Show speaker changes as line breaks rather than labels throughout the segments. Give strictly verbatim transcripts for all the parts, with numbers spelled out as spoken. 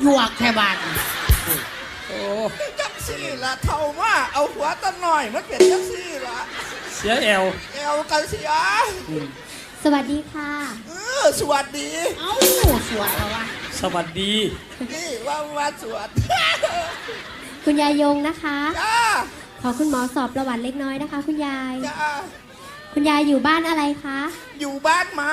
หยวกแค่บาท
โอ้
จังสี่ละเท่าว่าเอาหัวตั้งหน่อยมันเป็นจังสี่ละ
เสียแอว
แอวกันเสีย
สวัสดีค่ะ
เออสวัสดี
เอ้าสวดเหรอวะ
สวัสดี
นี่ว่าว่าสวัสดี
คุณยายยงนะคะ
จ้า
ขอคุณหมอสอบประวัติเล็กน้อยนะคะคุณยาย
จ้า
คุณยายอยู่บ้านอะไรคะ
อยู่บ้านไหม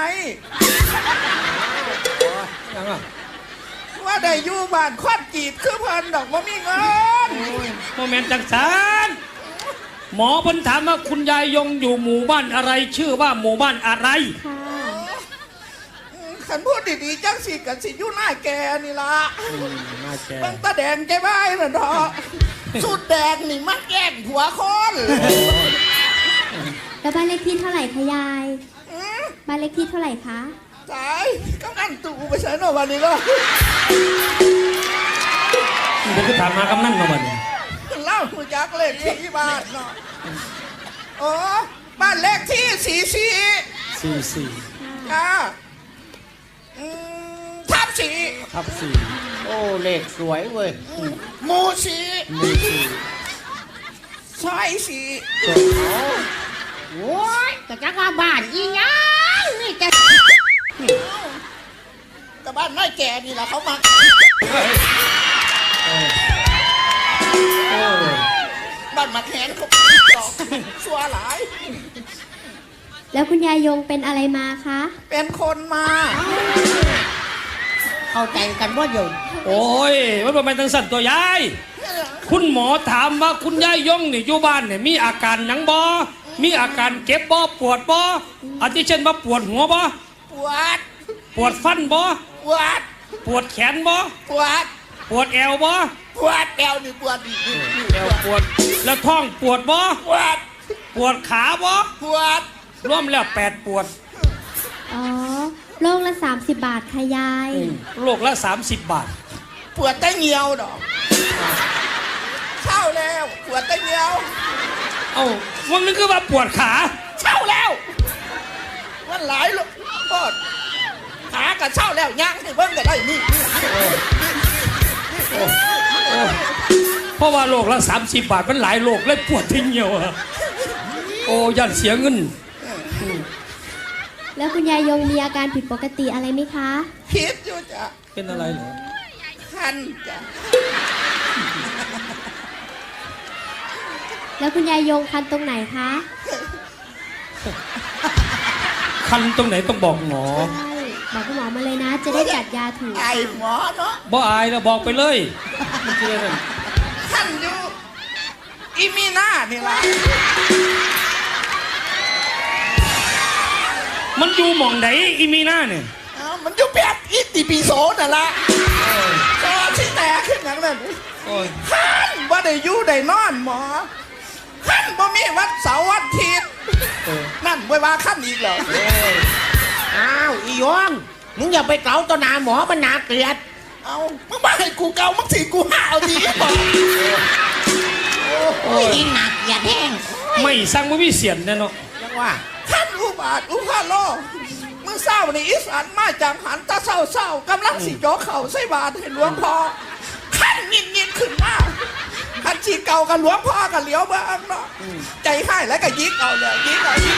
ยังอ่ะ
ว่าได้อยู่บ้านควันจีบคือเพิ่นดอกว่ามีเงิน
โมเมนต์จังสันหมอเพิ่นถามว่าคุณยายยงอยู่หมู่บ้านอะไรชื่อว่าหมู่บ้านอะไร
ค่ะ
ขันพูดดีๆจังสิกันสิอยู่หน้าแกนี่ละ
หน้าแก
บังตาแดงใจบ้ายน่ะเนาะสุดแดงนี่มันแกล้งผัวคน
แล้วบ้านเลขที่เท่าไหร่คะยายบ้านเลขที่เท่าไหร่คะ
ตายกำนันตู่ไปใช้หน่อยวันนี้ก็
เดี๋ยวก็ถามมากำนันมาวันนี้
เล่าคุยจักเลขที่บ้านเนาะโอ้บ้านเลขที่สี่สี่
สี่สี่
อ่าทับสี่
ทับสี่
โอ้เลขสวยเว้ย
หมูสี่
หมูสี่
ซอยสี่
โอ้ยแต่จักว่าบ้านอีหยังนี่แก
แต่บ้านน้อยแก่นี่แหละเขามาบ้านมาแขนเขาตอกชัวหลาย
แล้วคุณยายยงเป็นอะไรมาคะ
เป็นคนมา
เข้าใจกันว่าอยู่
โอ้ยมันเป็นทางสั่นตัวยายคุณหมอถามว่าคุณยายยงนี่อยู่บ้านเนี่ยมีอาการหยังบ่มีอาการเก็บบ่ปวดบ่อาทิเช่นว่าปวดหัวบ่
ปวด
ปวดฟันบ่
ปวด
ปวดแขนบ่
ปวด
ปวดแอวบ่
ปวดแอวนี่ปวดอีก
แอวปวดแล้วท้องปวดบ่
ปวด
ปวดขาบ่
ปวด
รวมแล้วแปดปวด
อ๋อโลกละสามสิบบาทค่ะยาย
โลกละสามสิบบาท
ปวดแต่เหี่ยวดอกเช่าแล้วปวดแต่เหี่ยว
เอ้าวันนึงคือว่าปวดขา
เช่าแล้วมันหลายลูกปวดขากับเช่าแล้วย่างให้เบิ้งกันได้นี่
เพราะว่าโลกละสามสิบบาทมันหลายโลกเลยปวดที่เหี่ยวอะโอ้ยันเสียเงิน
แล้วคุณยายยงมีอาการผิดปกติอะไรไหมคะ
ผิดอยู่จ้ะ
เป็นอะไรเหรอ
คันจ้ะ
แล้วคุณยายยงคันตรงไหนคะ
คันตรงไหนต้องบอกหมอ
ใช่บอกคุณหมอมาเลยนะจะได้จัดยาถูก
ไอหมอเนาะ
บ่อายแล้วบอกไปเลย
คันอยู่อีมีหน้านี่ละ
มันอยู่หม่องไหนอีมีหน้าเนี่ย
มันอยู่แบบอิติปิโสน่ะละก็ที่แต่ขึ้นอย่างนั้นขันว่าได้อยู่ได้นอนหมอขันบ่มีวัดเสาร์วันอาทิตย์นั่นไว้ว่าขันอีกเหรอ
อ้าวอียงมึงอย่าไปเกาต่อหน้าหมอมันน่าเกลียด
เอามึงมาให้กูเกามึงสิกูห่าเอาดีหมอ
โอ้ยหนักอย่าแห้ง
ไม่สร้างไม่มีเสียนแน่นอน
จังว่า
ขันอุบาทอุพาโลมึงเศร้าในอีสานมาจากหันตาเศร้าเศร้ากำลังสิโจเข่าใส่บาทให้หลวงพ่อขันยินยินขึ้นมาขันชีเก่ากับหลวงพ่อกับเหลียวบ้างเนาะใจให้แล้วก็ยิกเอาเลยยิกเอายิก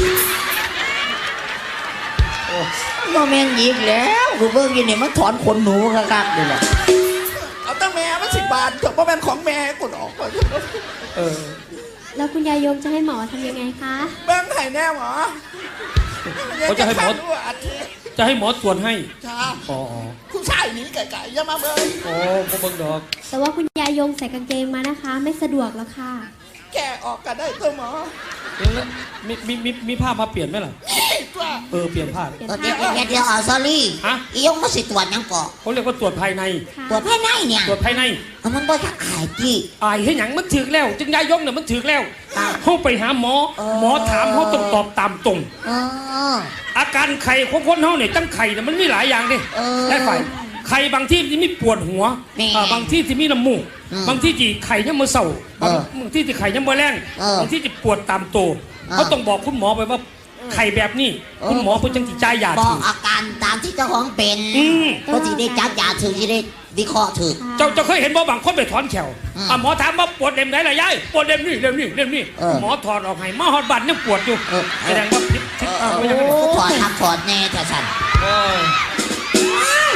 โมเมนต์ยิกแล้วกูเบิ่งยินเนี่ยมันถอนขนหนูคักๆเลยแหละ
เอาตั้งแม่มันสิบบาทจบเพราะเป็นของแม่กูออก
เออ
แล้วคุณยายยงจะให้หมอทำยังไงคะ
เบิ้งไห้แน่หมอ
เขาจะให้หมอจะให้หมอตรวจให้
จ้า
อ๋อ
คุณชายหนีไก่ๆอย่ามาเบิ้ง
โอ้ผมเบิ้งดอก
แต่ว่าคุณยายยงใส่กางเกงมานะคะไม่สะดวกแล้วค่ะ
แกออกกันได้ตัวหมอ
มีมีมีมีผ้ามาเปลี่ยนไหมล่ะเออเปลี่ยนผ้า
เดี๋ยวเดี๋ยวเดี๋ยวอ๋อซอรี่
ฮะ
อียงมาสิตรวจยังก่อ
เขาเรียกว่าตรวจภายใน
ตรวจภายในเนี่ย
ตรวจภายใน
มันบ่ทักอายจี้
อายให้หยังมันถึกแล้วจึงยายยงเนี่ยมันถึกแล้วเขาไปหาหมอหมอถามเขาต้องตอบตามตรงอาการไข่ของคนเขาเนี่ยตั้งไข่เนี่ยมันมีหลายอย่างดิได้ไข่ไข่บางที่ที่มีปวดหัวบางที่ที่มีน้ำมูกบางที่ที่ไข่ยังมือเศร้าบางที่ที่ไข่ยังมือแรงบางที่ที่ปวดตามตัวเขาต้องบอกคุณหมอไปว่าไข่แบบนี้คุณหมอเพิ่นจังสิจ่ายยา
บ
ถู
อก
ก
อาการตามที่เจ้าของเป็น
อืม
ก็สิได้จับยาถึงสิได้วิเคราะห์ถึง
เจ้าเจ้าเคยเห็นบ่บางคนไปถอนแขว
อืม
อ่ะหมอถามว่าปวดเล่มไหนล่ะยายปวดเล่มนี้เล่มนี้เล่มนี้
เออ
หมอถอดออกให้มาฮอดบัตรยังปวดอยู่
เออ
แสดงว่าพิษพิษ
เออ
ไม่ใช่
ก็ถอดทับถอดแน่แต่ฉัน
โอ้ย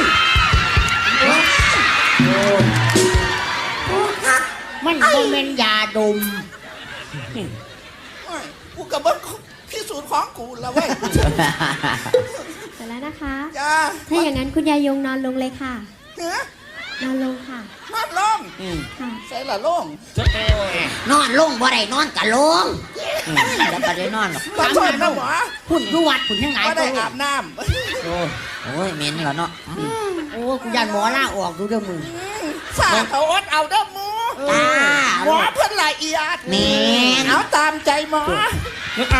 มันโมเมนยาดม
โอ้ยกูกับเบิ้งพิสูจน์ของกูแล้วเว้ย
เสร็จแล้วนะคะ
จ้า
ถ้าอย่างนั้นคุณยายยงนอนลงเลยค่ะ
เนื้อน
อนลงค่ะ
นอนลง
ค่ะ
ใส่ละล่ง
นอนลงบ่ได้นอนกะลงแล้วก็ได้นอนหรอก
ขอโทษนะหมอ
พุ่นดูวัดพุ่นยังไง
ว่า
ตั
ได้
ว
อาบน้
โอ้ยโอ้ยเหม็นเหรอเนาะ
โอ้กูยันหมอล่าออกดูเด้อมึง
ำสาเขาอดเอาเด้อหมู
จ้า
หมอเพิ่นละเอียด
แม่น
เอาตามใจหมอ
นึกเอา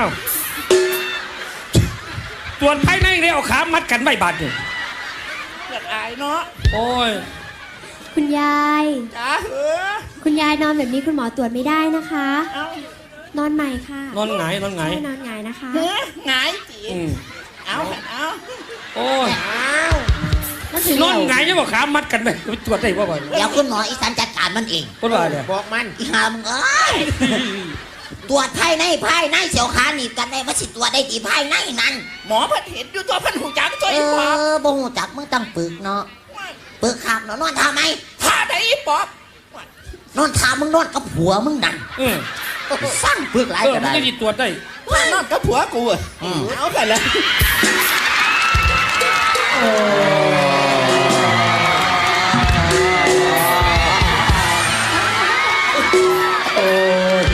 ส่วนภายในเลยเอาขามัดกันไม่บาดเลย
เกิดอายเนาะ
โอ้ย
คุณยาย
จ้าเหอะ
คุณยายนอนแบบนี้คุณหมอตรวจไม่ได้นะคะ
เอา
นอนใหม่ค่ะ
นอนหงายนอนหงาย
ใช่นอนหงายนะคะ
เฮ้ยหงายจี
อืม
เอาเถอะเอา
โอ้ย
เอา
มันสิ
นอนหงายยังบอกขามัดกันไหมไปตรวจได้บ่บ่อย
เดี๋ยวคุณหมออีสานจัดการมันเอง
คนว่าเนี่ย
บอกมัน
อีหามึงเอ้ยตรวจภายในภายในเสียวขาหนีบกันได้ว่าสิตรวจได้ดีภายในนั้น
หมอเพิ่นเห็นอยู่ตัวเพิ่นหูจักตัว
เอ
อีปอบ
อบ่หูจักมึงต้องปึกเนาะปึกขับเนาะนอนท่าไหม
ท่าได้อีปอบ
นอนท่ามึงนอนกับผัวมึงนั่น
เออ
สร้างปึกหลาย
เออ
ก็
มัน
ได้
จะดีตรวจได้
ท่านอนกับผัวกูอะเอาไปเลย
โอ้ย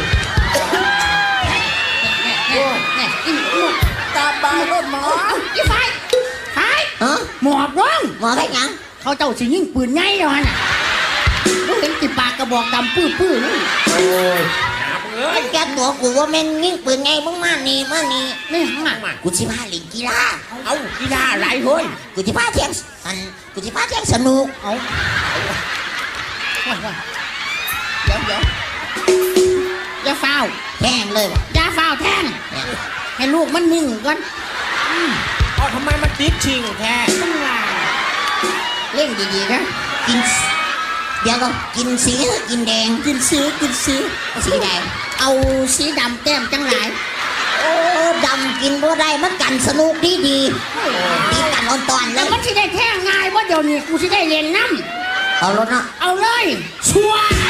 เนี่ยอีหมอ
ตามบายรถหมอ
อีไฟไฟ
ฮะ
หมอบร้อง
หมอแค่ยัง
เขาเจ้าสิยิงปืนไงแล้วฮะน่ะมึงเห็นติปากกระบอกดำปื้อปื้อๆนี่
โอ้ย
มันแกตัวกูว่าแม่นยิ่งปืนไงมึงมานี่มานี่
ไม่หังอ่ะ
กูสิพาเล่นกีฬา
เอากีฬาอะไรเฮ้ย
กูสิพาเที่ยงอันกูสิพาเที่ยงสนุก
เอาว่าว่าเดี๋ยวเดี๋ยวอย่าฟาว
แข่งเลยว่ะ
อย่าฟาวแทง
เนี่ย
ให้ลูกมันนิ่งก่อน
เอาทำไมมันติดชิงแท้
ต้องว่าเล่นดีๆนะ
กินสเดี๋ยวก็กินสีหรือกินแดง
กินสีกินสี
สีแดง
เอาสีดำแต้มจังไร
โอ้ดำกินบ่ได้มันกันสนุกดีดีดีกันอ่อนตอนเล
แล้ว
ย
มันสิได้แท่งง่ายว่าเดี๋ยวนี้กูสิได้เรียนน้
เอารถเนาะ
ำเอาเลยชัวร์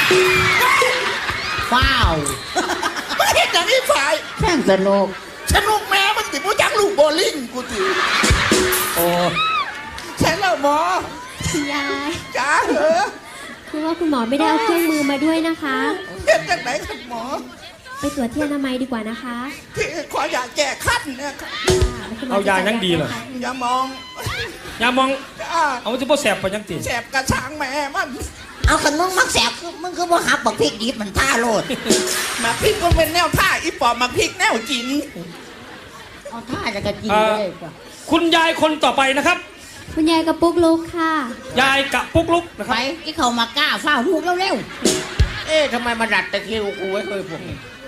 ว้าว
ไม่เห็นอย่างนี้ฝ่าย
แข่งสนุก
สนุกแม่มันติดผู้จักลูกโบลิ่งกูติ
โอ้ย
ใช่แล้วหมอ
คุณยาย
จ้าเหอะ
คือว่าคุณหมอไม่ได้เอาเครื่องมือมาด้วยนะคะ
เห็นจากไหนครับหมอ
ไปตรวจที่อนามัยดีกว่านะคะ
ที่ขออยากแก้ขั้นเนี่ยครับ
คุณหม
เอายา
จะ
ยังดีเหรอ
จัให้
อย่ามอง
ยามอง
จ้า
เอาจะบ่แสบไปยังตี
แสบกระช่างแม่มัน
เอาขนมมักแสบคือมึงคือบ่หับบักพริกดิบมันท่าโลด
มาพริกมันเป็นแนวท่าอีปอบมาพริกแนวจิน
เอาท่าจะกระจีเลยกว่า
คุณยายคนต่อไปนะครับ
คุณยายกับปุ๊กลุกค่ะ
ยายกับปุ๊กลุกนะค
ไป
รับ
ที่เขามากล้าฝ้าลูกเร็ว
เอ๊ะทำไมมาดัดตะคิวกูไว้เคยผม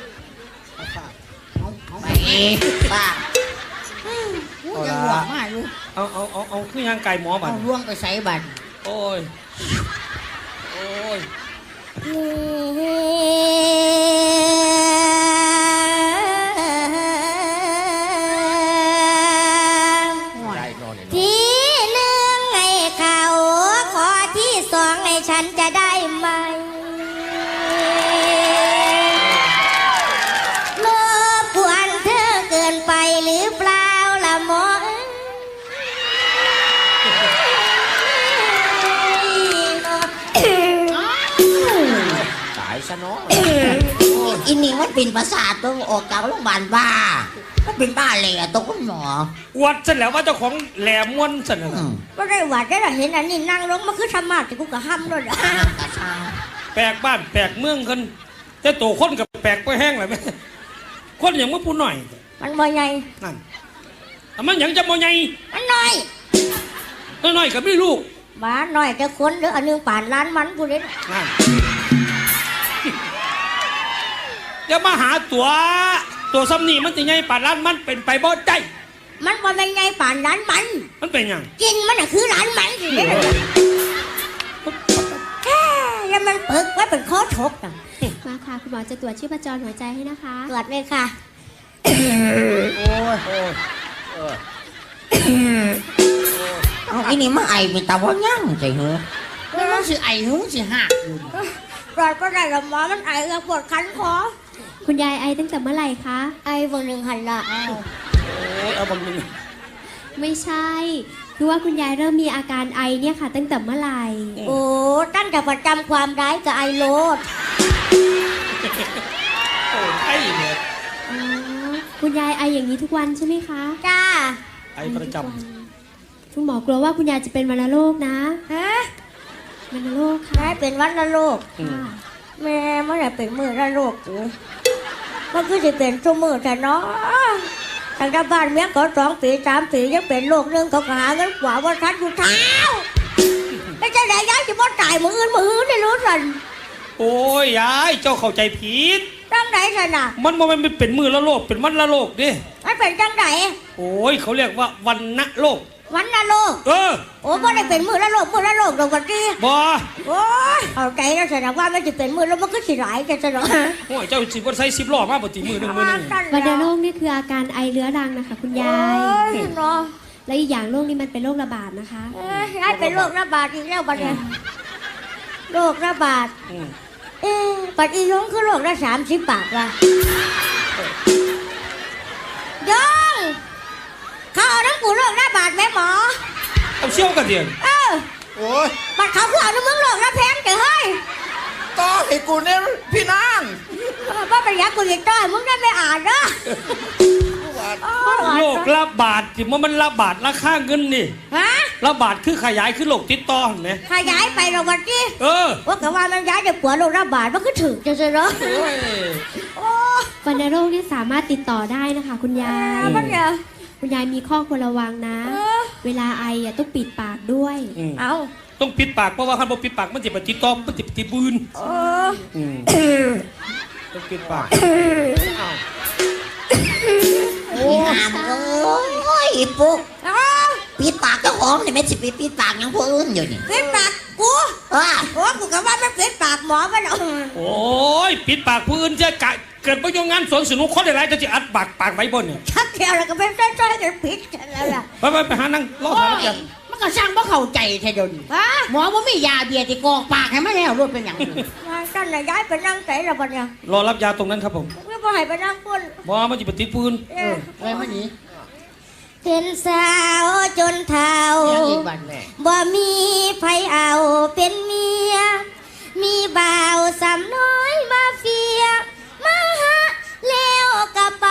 ไปป้า
ๆอู้ยังหวงมากอยู่
เอาเอาเอาเอาคือยางไก่หมอบั
เอา
น
ล่วงไปใส่บัตร
โอ้ยโอ้ย
ทีหนึ่งให้เขาขอที่สองให้ฉันจะได้ไหมรบกวนเธอเกินไปหรือเปล่าล่ะหมอ
ตายซะเนาะ
อินนี่มันเป็นประสาทต้องออกจากโรงพยาบาลบ้ามันเป็นบ้าเลยอะตัวคุณหมอ
อวดเสร็จแล้วว่าเจ้าของแหลมม้วนเสร็จแล้ว
อื
นะ
ม
ก็ได้หวัดได้เห็นอันนี้นั่งลงมาคือธรรมะแต่กูก็ห้ามด้วย
ห้ามกระชาง
แปลกบ้านแปลกเมืองกันแต่ตัวคนกับแปลกไปแห้งเลยไหมคนอย่างว่าปูหน่อย
มันบ่ใหญ่
นั่นแต่มันอย่างจะมอใหญ่
มันน้อย
น้อยๆกับไม่ลูก
บ้าน้อยแต่คนเด้ออันหนึงป่านล้านมันกูเด้
นั่นอย่ามาหาตัวตัวซ้ำนี่มันจะใหญ่ป่านร้านมันเป็นไปบ่ได้
มันว่าเป็นไงป่านร้านมัน
มันเป็นหยัง
กินมันน่ะคือร้านมันสิแค่แล้วมันเปิกไว้เป็นข้อทกน่ะ
มาค่ะคุณหมอจะตรวจชีพจรหัวใจให้นะคะ
ตรวจเลยค่ะ
โอ้ยโอ้ยเออ
เอาไอ้นี่มาไอเป็นตาว่ายั่งใจเหรอ
แล้วมันสิไอ้หูสิหักอยู่
ตรวจก็ได้ละหมอมันไอแล้วปวดคันคอ
คุณยายไอตั้งแต่เมื่อไหร่คะ
ไอวันหนึ่งหันละ
โอ้ยเอาบังนึง
ไม่ใช่ คือว่าคุณยายเริ่มมีอาการไอเนี่ยค่ะ ตั้งแต่เมื่อไหร่
โอ้ตั้งแต่ประจำความร้ายกับไอโรด
โอ้ยไอ้เนี่ย
อ๋อ คุณยายไออย่างนี้ทุกวันใช่ไหมคะ
จ้า
ไอ้ประจ
ทุกวันคุณหมอกลัวว่าคุณยายจะเป็นวัณโรคนะ
ฮะ
วัณโรคค่ะ
ได้เป็นวัณโรค
ค่ะ
แม่เมื่อไหร่เป็นมือละโรคกูมันคือจะเป็นชั่วมือแต่เนาะทางด้านบ้านเมียก็สองปีสามปียังเป็นโรคนึงเขาก็หาเงินกว่าว่าทันอยู่เท้าแล้วจะไหนย้ายจะบ่ตายมืออื่นมืออื่นได้รู้สัน
ำโอ้ยยายเจ้าเข้าใจผิด
จังไหนสันน่ะ
มันบ่แมันเป็นมือละโลกเป็นวันละโลกดิ
มันเป็นจังไหน
โอ้ยเขาเรียกว่าวันณโลก
วันละโรค
เออ
โอ้บ่ได้เป็นมือละโรคมือละโรคตรงกันที่
บ่
โอ้ยเอาใจแล้วสันน่ะว่ามันจะเป็นมือแล้วมันก็สิหลายกันซะเนาะ
โอ้ยเจ้าสิบ่ใส่สิบล้อมาบ่ติมือหนึงมือหนึง
วัณโรคนี่คืออาการไอเรื้อรังนะคะ คุณยาย
โอ้ยเนาะ
และอีกอย่างโรคนี้มันเป็นโรคระบาดนะคะ
เอ้ยยายเป็นโรคระบาดอีกแล้วบัดเนี่ยโรคระบาด
อืม
เอ๊ะปัดอีน้องคือโลกละสามสิบบาทว่ะยองเขาเอาน้ำกูโลกละบาทไหมหมอ
เอาเชี่ยวกันเดียว
เออ
โอ้ย
บัดเขาคือเอาน้ำมึงโลกละแพงเจ๋อเฮ้ย
ต่อให้กูเนี่ยพี่นาง
ว่าเป็นยักษ์กูยิงต้อยมึงได้ไม่อ่านเด้อโอ้ย
โรคระบาดที่มันมันระบาดราคาเงินนี่
ฮะ
ระบาดคือขยายคือโรคติดต่อเห็นไหม
ขยายไปเราวันที่
เออ
ว่าแต่ว่ามันย้ายจากปัวโลกละบาทมันก็ถึงจะเจอเนาะ
โอ้ย
โอ้
วัณโรคเนี่ยสามารถติดต่อได้นะคะ คุณยาย
มันเนี่ย
คุณยายมีข้อควรระวังนะ
เออ
เวลาไออ่ะต้องปิดปากด้วย
อืม
เอา
ต้องปิดปากเพราะว่าคันบ่ปิดปากมันจะไปติดต่อมันจะไปติดบืน
เออ
อืมต้องปิดปาก
โอ้ยหามเอ้ยปุ๊ก
เอา
ปิดปากเจ้าของนี่ไม่สิไปปิดปากหยังผู้อื่นอยู่นี่
ปิดปากกู
อ่า
โอ้กูก็ว่ามันปิดปากหมอมันเอา
โอ้ยปิดปากผู้อื่นจะกะเกิดประโยชน์งานสวนสนุกคนหลายๆจะจะอัดปากปากไว้บนเนี่ย
ชักเที่ยวแล้วก็เป็นใต้ๆกันปิดกันแล้วล่ะ
ไปไปไปหานั่งรอ
โอ้
หาแล้ว
ย
กัน
มันก็สร้างบ่เข้าใจแท้เดี๋ยวนี้
ฮะ
หมอว่ามียาเบียร์ที่กรอกปากให้มาแล้วรถเป็นหยัง
ท่านน่ะย้ายไปนั่งใจแล้วบัดเนี่ย
รอรับยาตรงนั้นครับผม
ไม่พอให้ไปนั่งพุ่น
บ่มันจะไปติดปืน
เออ
ไว้มานี้
เป็นสาวจนเท่า
ยังอีกบัดแม่
บ่มีไผเอาเป็นเมีย มีบ่าวสามน้อยมาเฟีย มาหาแล้วก็ไป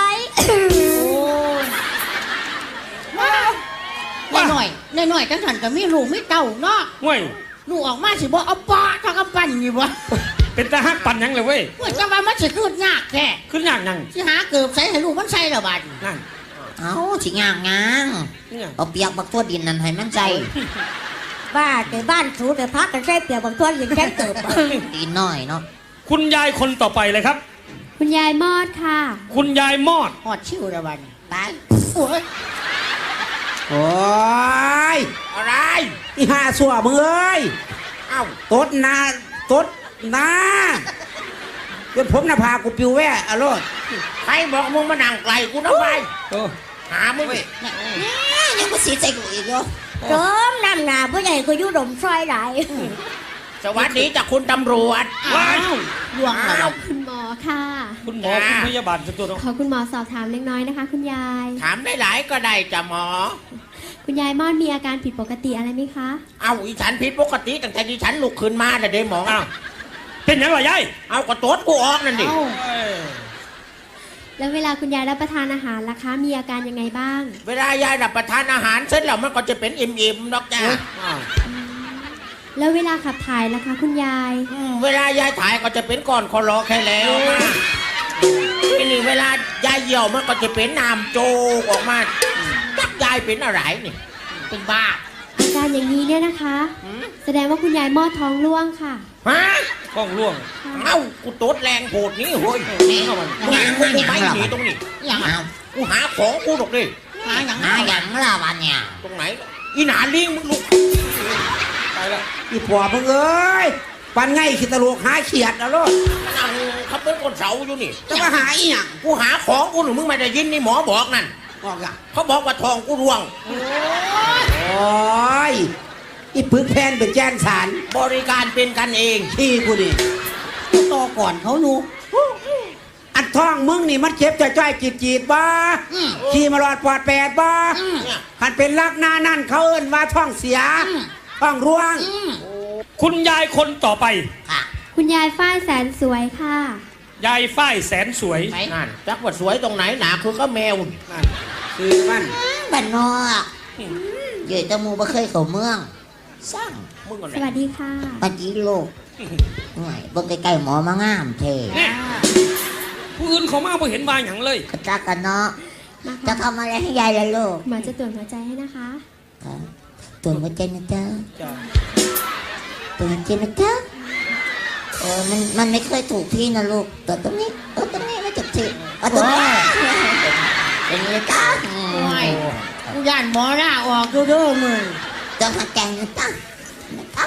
ว่า
หน่อยหน่อยหน่อยๆจังสันก็มีลูกมีเต้าเนาะ
เว้ย
ลูกออกมาสิบ่เอาปอเท่ากับปั้นนี่บ่
เป็นตาฮักปั่นหยังเลยเว้ย
ว่าจะว่ามันสิคืดยากแท้
ขึ้นยากยัง
สิหาเกิบใส่ให้ลูกมันใส่แล้วบัด
นั่น
เอาสิงางงาง
นี่ไง
เอาเปียกบักทั่วดินนั่นให้มันใจ
บ้าแต่บ้านสูแต่พักกันใช้เปียกบางทวนยังแค่เกิบ
ดีหน่อยเนาะ
คุณยายคนต่อไปเลยครับ
คุณยายมอดค่ะ
คุณยายมอด
ฮอดชิวแล้วบัด
ไป
โอ้ย
โอ้ย
อะไร
อีห่าสัวมึงเอ้ย
เอ้า
ตดนาตดนาจนผมน่ะพากูปิวแว่อะโลด
ใครบอกมึงมานั่งไกลกูนะไป
เออ
หามึง
ยังกูสีใจกูอีกอยู่
เติมน้ำหนาผู้ใหญ่ก็อยู่ดมซอยไหล
สวัสดีจากคุณตำรวจ
ว้าย
ลวงแล้วบัด
คุณหมอค่ะ
คุณหมอคุณพยาบาลจะตัวเนาะ
ขอคุณหมอสอบถามเล็กน้อยนะคะ คุณยาย
ถามได้หลายก็ได้จ้ะหมอ
คุณยายมอดมีอาการผิดปกติอะไรไหมคะ
เอาอีฉันผิดปกติตั้งแต่ที่ฉันลุกขึ้นมาแต่ะเด้หมอ
อ้าวเป็นหยังล่ะยาย
เอากระโตดกูออกนั่นดิ
เอ้า
เอ้ย
แล้วเวลาคุณยายรับประทานอาหารล่ะคะ มีอาการยังไงบ้าง
เวลายายรับประทานอาหารเสร็จแล้วมันก็จะเป็นอิ่มๆนอกจ้า
อ้าว
แล้วเวลาขับถ่ายล่ะคะ คุณยาย
อืมเวลายายถ่ายก็จะเป็นก้อนคอรอแค่แล้วนะทีนี่เวลายายเหี่ยวมันก็จะเป็นน้ำโจกออกมาจักยายเป็นอะไรนี่
เป็นบ้า
อาการอย่างนี้เนี่ยนะคะ แสดงว่าคุณยายมอดท้องร่วงค่ะ
ฮะ
ท้องร่วง
เอ้ากูตดแรงโผดนี้เฮ้ย
เข้ามา
กูหากูไม่หนีตรงนี้
อย่างเอา
กูหาของกูตรงนี้
หาอย่าง
หาอย่างละวันเนี่ย
ตรงไหนอีหนาลิงมึงลุก
ตายละ
อีผัวมึงเอ้ยปันไงขี้ตะลุกหาเขียดนะลูก
นั่งขับเป็นคนเสาอยู่นี่
จะมาหาอีหยัง
กูหาของกูหนูมึงไม่ได้ยินนี่หมอบอกนั่น
บอกอ่ะ
เขาบอกว่าทองกูร่วง
โอ้ยอีปึกแพนเป็นแจ้นสาร
บริการเป็นกันเอง
ที่กูนี่
ต่อก่อนเขาหนู
อันท้องมึงนี่มันเจ็บจะจ้อยจีดจีดๆบ้าขี่มาหลอดปอดแปดบ้า
เนี่ย
คันเป็นลักหน้านั่นเขาเอิ้นว่าท้องเสียท้องร่วง
คุณยายคนต่อไป
ค่ะ
คุณยายฝ้ายแสนสวยค่ะ
ยายฝ้ายแสนสวย
นั่นจักว่าสวยตรงไหนหนาคือก็แมว
คือมัน
บ้านนอกเยอะตะมูบ่เคยเข้าเมืองสร้าง
มึงก่อน
สวัสดีค่ะ
ปฏิโลกหน่อยเบิ่งใกล้ๆหมอมางามเท่
เนี่ยผู้อื่นเขามาบ่เห็นมาอย่างเลย
กระจักกันเนาะ
มา
จะ
ค่ะ
ทำอะไรให้ยายล่ะลูก
หมอจะตรวจหัวใจให้นะคะ
ค่ะตรวจหัวใจนะจ๊ะ
จ้ะ
ตรวจหัวใจนะจ๊ะเออมันมันไม่เคยถูกที่นะลูกตรวจตรงนี้ตรวจตรงนี้ไม่ถูกที่เอาตรงนี้เป็นไงจ๊ะอืม
กูย่านหมอหน้าออกเด้อๆมึง
ตรวจหัวใจนะจ๊ะนะจ๊ะ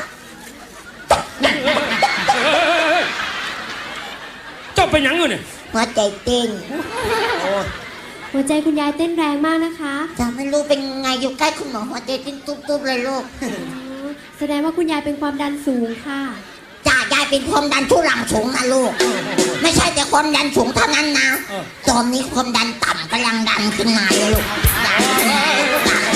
เจ้าเป็นหยังอยู่เนี่ย
หัวใจเต้น
หัวใจคุณยายเต้นแรงมากนะคะ
จะไม่รู้เป็นไงอยู่ใกล้คุณหมอหัวใจเต้นตุ๊บๆเลยลูก
อ๋อแสดงว่าคุณยายเป็นความดันสูงค่ะ
จ่ายายเป็นความดันทุรังสูงนะลูก ไม่ใช่แต่ความดันสูงเท่านั้นนะ ตอนนี้ความดันต่ำกำลังดันขึ้นมาเลยลูกดันขึ้นมาเลยลูกดัน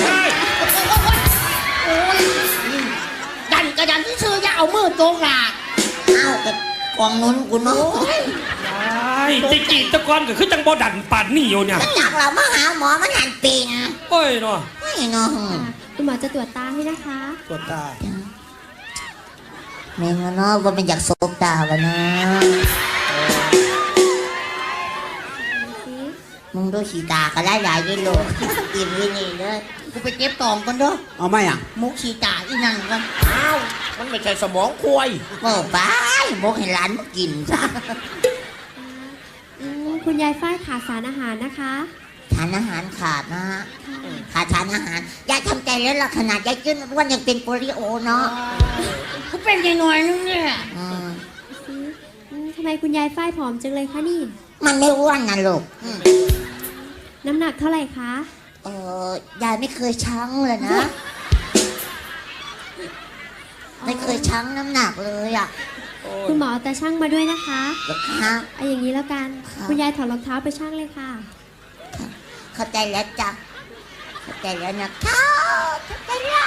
ดันกระดันที่ซื้ออย่าเอามือโจกหลาก
เอ้าแต่กองนุ้นกูเนาะ
ยายจิจีตะกอนก็คือจังบ่ดันป่านนี่อยู่เนี่ย
มันอยากเรามาหาหมอมันหันปีน
โอ้ยเนาะ
ไม่เนาะ
ค่ะ คุณหมอจะตรวจตาให้นะคะ
ตรวจตา
แม่งเนาะว่ามันอยากโซบตาวะนะมึงดูสีตาก็ได้หลายยี่ลูกอิ่มยี่นี่เลย
กูไปเก็บตองกันเด้อ
เอาไหมอ่ะ
มุกชีตาอีนั่นกัน
อ้าวมันไม่ใช่สมองควาย
โอ้ไปบอกให้หลานมากินซะ
อืมคุณยายฝ้ายขาดสารอาหารนะคะ
ทานอาหารขาดนะฮะ
ค่ะ
ขาดทานอาหารยายทำใจแล้วล่ะขนาดยายกินวันยังเป็นโปลิโอเนาะ
กูเป็นยังหน่อยนึงเนี่ย
อืม
อืมอืมทำไมคุณยายฝ้ายผอมจังเลยคะนี่
มันไม่อ้วนนะลูกอืม
น้ำหนักเท่าไหร่คะ
เออยายไม่เคยชั่งเลยนะ ไม่เคยชั่งน้ำหนักเลยอ่ะ
คุณหมอเอาตาช่างมาด้วยนะคะ
เดี๋ยวค่ะ
เอาอย่างนี้แล้วกัน
ค่ะ
คุณยายถอดรองเท้าไปช่างเลยค่ะ
เข้าใจแล้วจ้ะเข้าใจแล้วนะคะเข้าใจแล้ว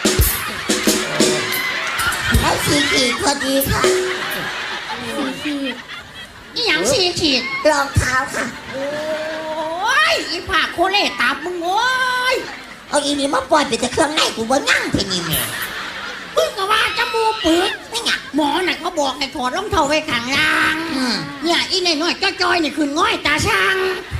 ได้สี่ขีดพอดีค่ะ
สี่ขีด
อีหยังสีขีด
รองเท้าค่ะ
โอ้ยอีผากโคเล่ตับมึงโอ้ย
เอาอีนี่มาปล่อยไปแต่เครื่องในกูบ่นั่งเพนี่แม่
มึงก็ว่าจมูกปึก
ไม่ไง
หมอน่ะเขาบอกให้ถอดรองเท้าไว้ข้างล่าง
อืม
เนี่ยอีนน้อยๆจ้อยๆนี่ขึ้นง่อยตาช่าง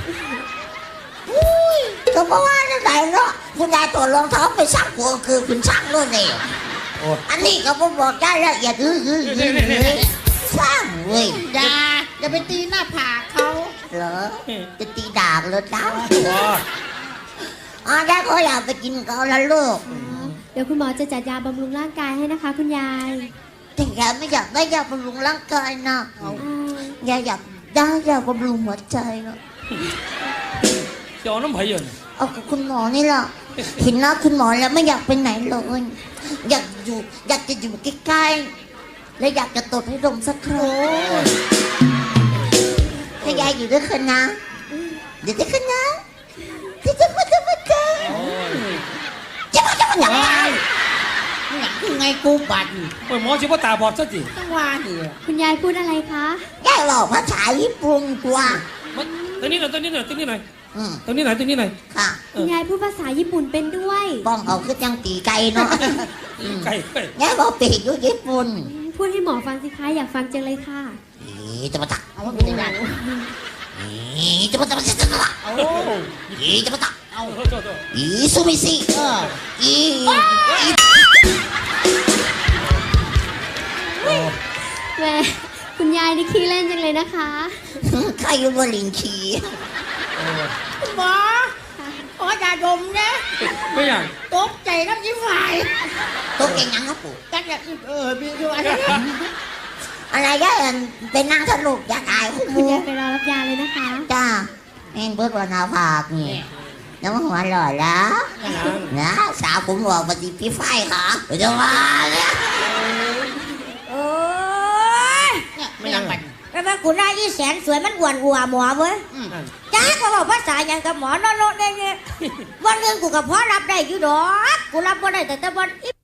อุ้ยก็เพราะว่าจะไหนเนาะคุณยายตัวรองเท้าไปซักหัวคือคุณช่างรถเลยอันนี้ก็บ่บอกได้ละเอียดอื้ออื้ออื้ออื้อสร้างเว้ย
อย่าอย่าไปตีหน้าผากเขา
เหรอจะตีดาบเหรอจ้า
ว้า
อ๋อได้ก็อยากไปกินเกาแล้วลูก
เดี๋ยวคุณหมอจะจัดยาบำรุงร่างกายให้นะคะ คุณยาย
แต่ยายไม่อยากได้ยาบำรุงร่างกายนะ
อ่า
ยายอยากได้ยาบำรุงหัวใจนะ
เจ้าน้ำไผ่เยิน
เอากับคุณหมอนี่ล่ะเห็นหน้าคุณหมอแล้วไม่อยากไปไหนเลยอยากอยู่อยากจะอยู่ใกล้ๆและอยากจะตดให้ดมสักครั้งถ้ายายอยู่ด้วยกันนะเดี๋ยวด้วยกันนะที่จะมาจะมาเจอจะมาจะมาอย่างไร
อีหยังคือไงกูบัด
โอ้ยหมอชิว่าตาบอดซะสิ
ต้องว่าดิ
คุณยายพูดอะไรคะ
ยายบอกภาษาญี่ปุ่นกว่า
มันตัวนี้หน่อยตัวนี้หน่อยตัวนี้หน่อย
อืม
ตัวนี้หน่อยตัวนี้หน่อย
ค่ะ
คุณยายพูดภาษาญี่ปุ่นเป็นด้วย
ป้องเอาคือจังตีไก่เนาะ
ไก่ไก่
ยายบอกปีกอยู่ญี่ปุ่น
พูดให้หมอฟังสิคะอยากฟังจังเลยค่ะ
อีจะมาตัก
เอาว่าเป็นยังไง
อีจะมาตักจะมาตัก
เอา
อีจะมาตัก
เอา
โทษโทษโทษ
อีซูมิซิ
เออ
อีอี
แหมคุณยายนี่ขี้เล่นจังเลยนะคะ
ใครอยู่บนลิงขี่
คุณหมอขออย่าดมนะ
ไม่อย่าง
ตกใจน้ำยิ้มไหว
ตัวเก่งยังครับปู่
กันอยากเออพี่ด้วย
อะไรก็เป็นนางสนุกอยากอายคุณ
คุณ
มู
ยายไปรอรับยาเลยนะคะ
จ้าเองเบิดวันนาภาคนี่น้ำหัวหล่อแล้วนะสาวผมบอกปฏิพี่ไฟค่ะจะมาเนี่ย
โอ้ย
ไม่ยังไง
แล้วแม่กูได้ยี่แสนสวยมันอ้วนอัวหมอเว้ยจ้าก็บอกภาษาอย่างกับหมอโนโนได้เนี่ยวันหนึงกูกับพ่อรับได้อยู่ดอกกูรับบ่ได้แต่แต่วันอี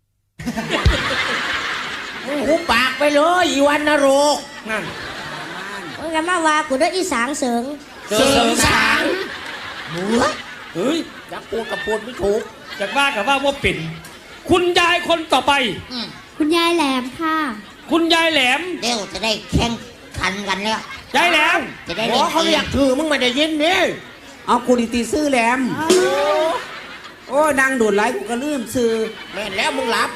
หูปากไปเลยอีวันนรก
นั่น
มึงกันมาว่ากูได้อีสางเสริง
เสริมสาง
หัว
เฮ้ย
ยักษ์พูดกับพูดไม่ถูก
จากว่ากับว่าว่าเป็นคุณยายคนต่อไป
คุณยายแหลมค่ะ
คุณยายแหลม
เดี๋ยวจะได้แข่งขันกันแล้ว
ยายแหลม
จะได้
หมอเขาเรียกถือมึงไม่ได้ยินนี่
เอากูดีตีซื้อแหลมโอ้นางดูดไหลกูก็ลืมซื้อ
แม่นแล้วมึงรับ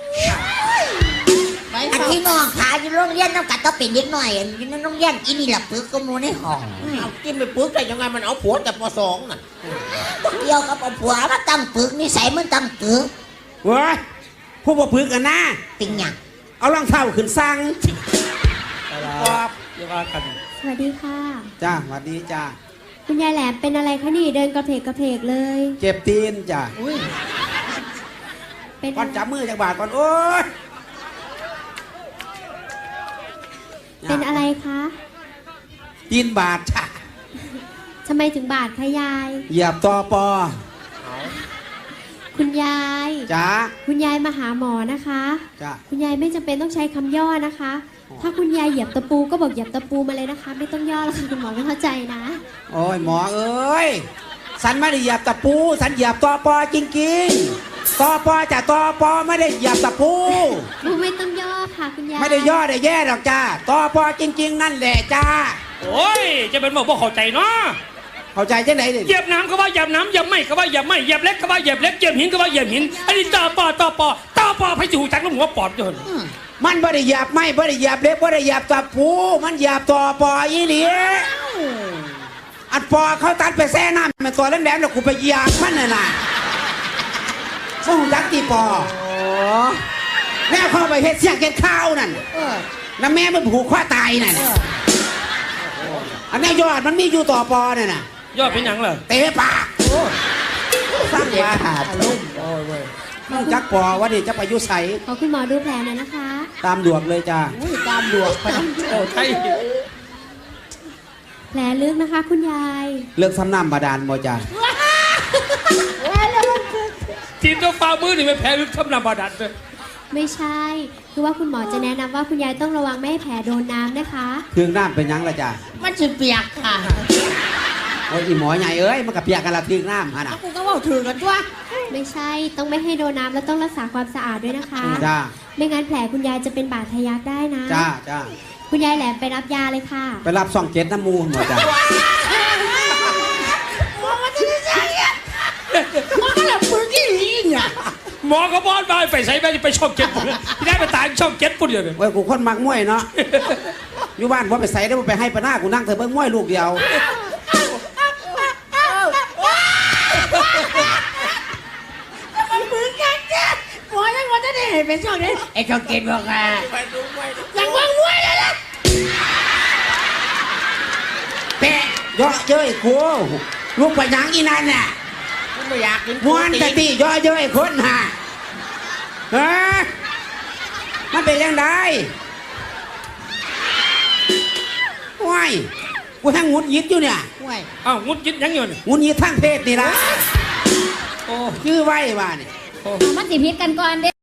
อันที่น้องขาอยู่โรงเรียนต้องกัดต้องเป็นเด็กหน่อยอยู่ในโรงเรียนอีนี่หลับปึกก็มูในห้อง
เอากินไปปึ๊กได้ยังไงมันเอาผัวแต่ปสองน่ะ
เกี่ยวกับเอาผัวมาตั้งปึกนิสัยมันตั้งปึก
เว้ยพวกบ่พึกกันนะ
ติงหยัง
เอารองเท้าขึ้นสั่ง
ครับอย่าว่ากัน
สวัสดีค่ะ
จ้าสวัสดีจ้า
คุณยายแหลมเป็นอะไรคะนี่เดินกระเพกกระเพกเลย
เจ็บตีนจ้า
เป็น
ก่อนจับมือจากบาทก่อนโอ้ย
เป็นอะไรคะ
ตีนบาทจ้า
ทำไมถึงบาดคะยาย
เหยียบตอปอ
คุณยาย
จ้า
คุณยายมาหาหมอนะคะ
จ้า
คุณยายไม่จำเป็นต้องใช้คำย่อนะคะ ถ้าคุณยายเหยียบตะปูก็บอกเหยียบตะปูมาเลยนะคะ ไม่ต้องย่อแล้วค่ะคุณหมอไม่เข้าใจนะ
โอ้ยหมอเอ้ยสันไม่ได้เหยียบตะปูสันเหยียบตอปอจริงๆตอปอจะตอปอไม่ได้เหยียบตะปู
ปูไม่ต้องย่อค่ะคุณยาย
ไม่ได้ย่อได้แย่หรอกจ้าตอปอจริง ๆ นั่นแหละจ้า
โอ้ยจะเป็นบอกว่าเข้าใจเนาะ
เข้าใจจังไหนดิ
เหยียบน้ำก็ว่าเหยียบน้ำเหยียบไม้ก็ว่าเหยียบไม้เหยียบเล็กก็ว่าเหยียบเล็กเหยียบหินก็ว่าเหยียบหินอันนี้ต่อปอต่อปอต่อปอให้จูจักแล้วหัวปอดจน
มันไม่ได้เหยียบไม่ไม่ได้เหยียบเล็บไม่ได้เหยียบตะปูมันเหยียบตอปออีหลีอัดปอเขาตัดไปแซ่น้ำมันตัวแหลมๆแล้วกูไปเหยียบมันน่ะนะส่งจักตีปอแม่เข้าไปเฮ็ดเสียงเก็ดข้าวนั่นแล้วแม่มันผูกข้อตายนั่นอันนี้ยอดมันมีอยู่ต่อปอเนี่ยนะ
ยอดเป็นหยังเหรอ
เตะปากสร้างมาขาดลุ่มต้องจักปอว่าดิจะไปยุใส
ขอคุณหมอดูแผลหน่อยนะคะ
ตามดวกเลยจ้า
อุ้ยตามดวกไป
โอ้ใช่
แผลลึกนะคะ คุณยาย
เลิกซ้ำน้ำบาดาลบ่จ้า
ทีมตัวฟ้ามือนี่ไม่แพ้ลึกทำนำบาดันเลย
ไม่ใช่ คือว่าคุณหมอจะแนะนำว่าคุณยายต้องระวังไม่ให้แผลโดนน้ำนะคะ
เครื่องน้ำเป็นหยังละจ้า
มันจะเปียกค่ะ
โอ้ยอีหมอใหญ่เอ้ยมันกับเปียกกันละเครื่องน้ำฮะ
แล้
นะ
วกูก็บอกถือกันด้วย
ไม่ใช่ ต้องไม่ให้โดนน้ำแล้วต้องรักษาความสะอาดด้วยนะคะ
จ้า
ไม่งั้นแผลคุณยายจะเป็นบาดทะยักได้นะ
จ้าจ้า
คุณยายแหลมไปรับยาเลยค่ะ
ไปรับซ่องเจ็ดน้ำมูลหมดจ้า
มันก็แบบปืนที่ลีเนี่ย
หมอเขาบอสมาไปใส่ไปไปช่องเจ็ดปุ่นที่ได้ไปตายช่องเจ็ดปุ่นเดียวเลย
เว้ยกูคนมักมวยเนาะอยู่บ้านว่าไปใส่ได้ว่าไปให้ปะหน้ากูนั่งเถอะเบิ่งมวยลูกเดียว
มันปืนกันเนี่ยหมอยังว่าจะได้เห็นเป็นช่องนี้ไอ้ช่องเกณฑ์บอกอ่ะยังว่างมวยเลยล่ะ
แปะย่อเย้ยกูลูกไปหยังอีนั่นน่ะ
กูไม่อยากกิน
ม้วนแต่ตีย่อเย้ยคนห่าฮะมันเป็นยังไงว้ายกูทั้งงุดยิดอยู่เนี่ย
มวย
อ้าวงุดยิดยังอยู่นี่
งุดยิดทั้งเพศนี่ละ
โอ้
ชื่อไว้ว่าเนี่ย
โอ้
มันสิพิษกันก่อนเด้